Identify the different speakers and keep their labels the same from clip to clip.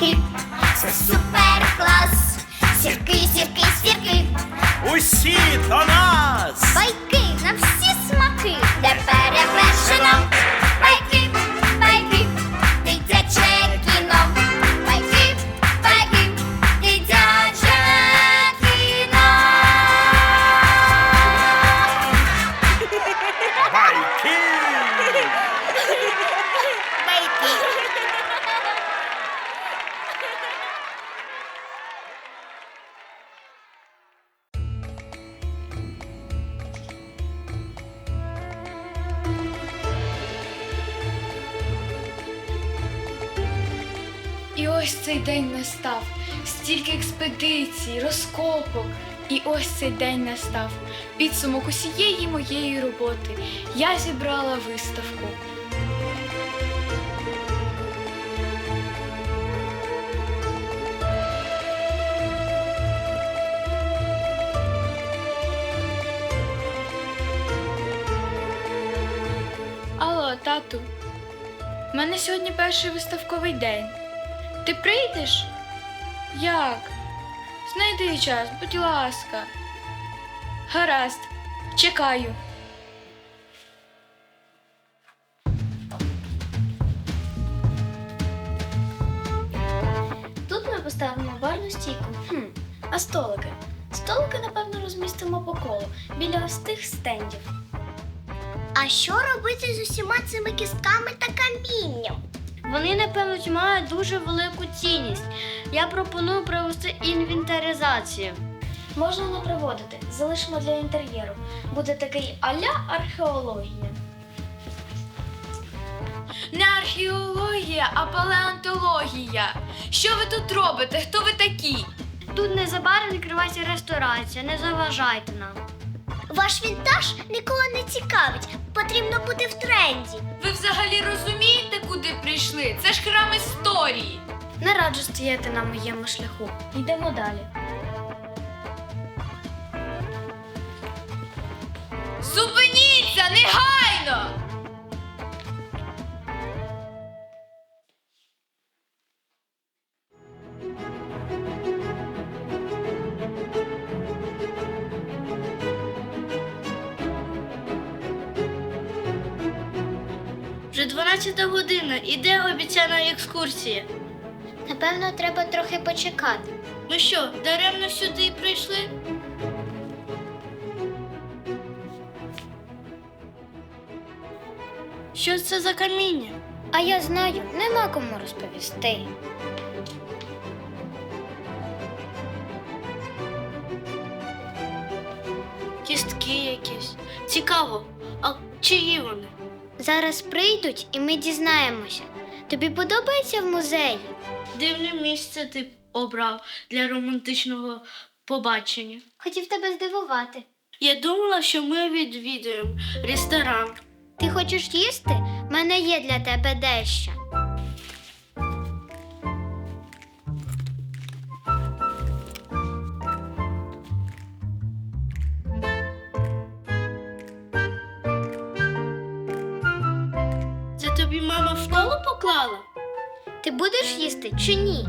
Speaker 1: сірки, це супер клас. Сірки, сірки, сірки,
Speaker 2: Усі до нас!
Speaker 1: байки на всі смаки, де перевершено. Байки, байки, дитяче кіно. Байки, байки, дитяче кіно.
Speaker 2: Байки!
Speaker 3: І ось цей день настав. Стільки експедицій, розкопок. І ось цей день настав. Підсумок усієї моєї роботи. Я зібрала виставку. Алло, тату. У мене сьогодні перший виставковий день. Ти прийдеш? Як? Знайди час, будь ласка. Гаразд, чекаю.
Speaker 4: Тут ми поставимо барну стійку. А столики? Столики, напевно, розмістимо по колу, біля ось тих стендів.
Speaker 1: А що робити з усіма цими кістками та камінням?
Speaker 4: Вони, напевно, мають дуже велику цінність. Я пропоную провести інвентаризацію. Можна не проводити, залишимо для інтер'єру. Буде такий а-ля археологія.
Speaker 3: Не археологія, а палеонтологія. Що ви тут робите? Хто ви такі?
Speaker 4: Тут незабаром відкривається ресторація, не заважайте нам.
Speaker 1: Ваш вінтаж нікого не цікавить. Потрібно бути в тренді.
Speaker 3: Ви взагалі розумієте, куди прийшли? Це ж храм історії.
Speaker 4: Не раджу стояти на моєму шляху. Йдемо далі.
Speaker 3: Зупиніться, негайно!
Speaker 4: Вже 12 година, іде обіцяна екскурсія.
Speaker 1: Напевно, треба трохи почекати.
Speaker 4: Ми що, даремно сюди прийшли? Що це за каміння?
Speaker 1: А я знаю, нема кому розповісти.
Speaker 4: Кістки якісь. Цікаво, а чиї вони?
Speaker 1: Зараз прийдуть і ми дізнаємося. Тобі подобається в музеї?
Speaker 4: Дивне місце ти обрав для романтичного побачення.
Speaker 1: Хотів тебе здивувати.
Speaker 4: Я думала, що ми відвідуємо ресторан.
Speaker 1: Ти хочеш їсти? В мене є для тебе дещо.
Speaker 4: Це тобі мама в школу поклала?
Speaker 1: Ти будеш їсти чи ні?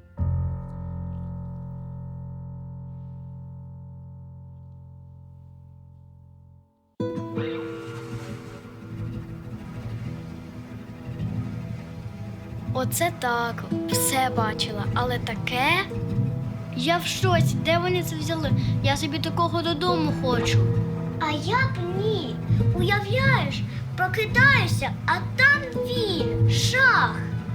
Speaker 4: Оце так, все бачила, але таке? Я в шоці, де вони це взяли? Я собі такого додому хочу.
Speaker 1: А я б ні. Уявляєш, прокидаюся, а там він, шах.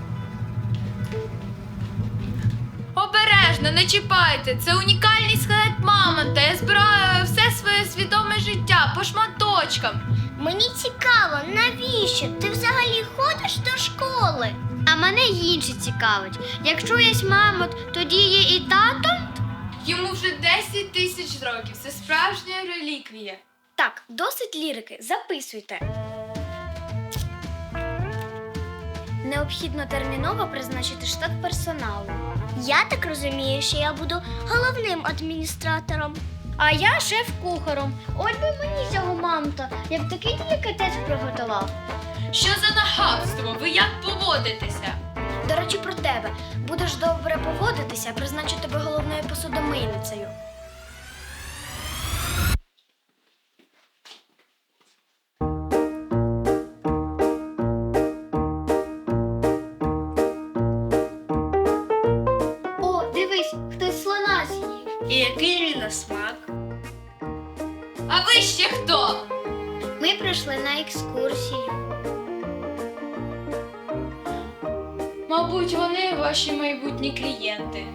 Speaker 3: Обережно, не чіпайте. Це унікальний скелет мамонта. Я збираю все своє свідоме життя по шматочкам.
Speaker 1: Мені цікаво, навіщо? Ти взагалі ходиш до школи?
Speaker 4: А мене інше цікавить. Якщо є мамонт, тоді є і тато?
Speaker 3: Йому вже 10 тисяч років. Це справжня реліквія.
Speaker 4: Так, досить лірики, записуйте. Необхідно терміново призначити штат персоналу.
Speaker 1: Я так розумію, що я буду головним адміністратором.
Speaker 4: А я шеф-кухаром. Ось би мені цього мамонта, як такий делікатес приготував.
Speaker 3: Що за нахабство? Ви як поводитеся?
Speaker 4: До речі, про те, тебе. Будеш добре поводитися, призначу тебе головною посудомийницею. О, дивись, хтось слона з'їв.
Speaker 1: І який він на смак?
Speaker 3: А ви ще хто?
Speaker 4: Ми прийшли на екскурсію.
Speaker 3: Мабуть, вони ваші майбутні клієнти.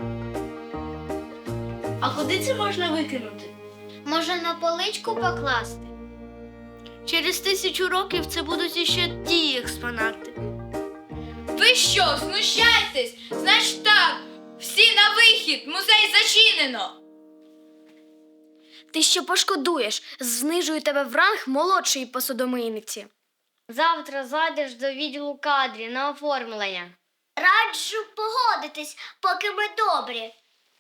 Speaker 1: А куди це можна викинути?
Speaker 4: Може, на поличку покласти?
Speaker 1: Через 1000 років це будуть іще ті експонати.
Speaker 3: Ви що, знущаєтесь? Значить так, всі на вихід, музей зачинено.
Speaker 4: Ти ще пошкодуєш, знижую тебе в ранг молодшої посудомийниці. Завтра зайдеш до відділу кадрів на оформлення.
Speaker 1: Раджу погодитись, поки ми добрі.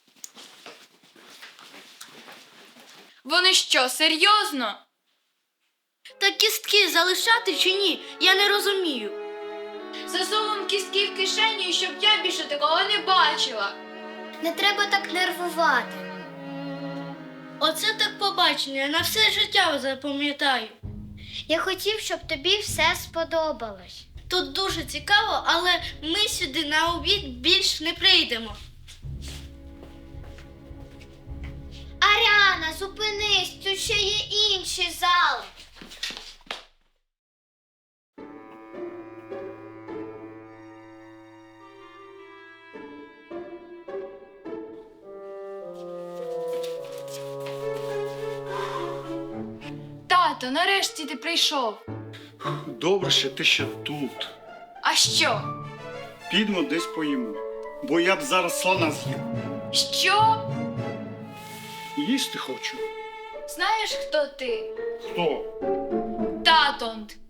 Speaker 3: Вони що, серйозно?
Speaker 1: Та кістки залишати чи ні? Я не розумію.
Speaker 3: Засовуємо кістки в кишеню, щоб я більше такого не бачила.
Speaker 4: Не треба так нервувати.
Speaker 1: Оце так побачення, я на все життя запам'ятаю.
Speaker 4: Я хотів, щоб тобі все сподобалось.
Speaker 1: Тут дуже цікаво, але ми сюди на обід більш не прийдемо.
Speaker 4: Аріана, зупинись, тут ще є інші зали.
Speaker 3: Тато, нарешті ти прийшов.
Speaker 5: Добре, що ти ще тут.
Speaker 3: А що?
Speaker 5: Підемо десь поїмо. Бо я б зараз слона з'їв.
Speaker 3: Що?
Speaker 5: Їсти хочу.
Speaker 3: Знаєш, хто ти?
Speaker 5: Хто?
Speaker 3: Тато.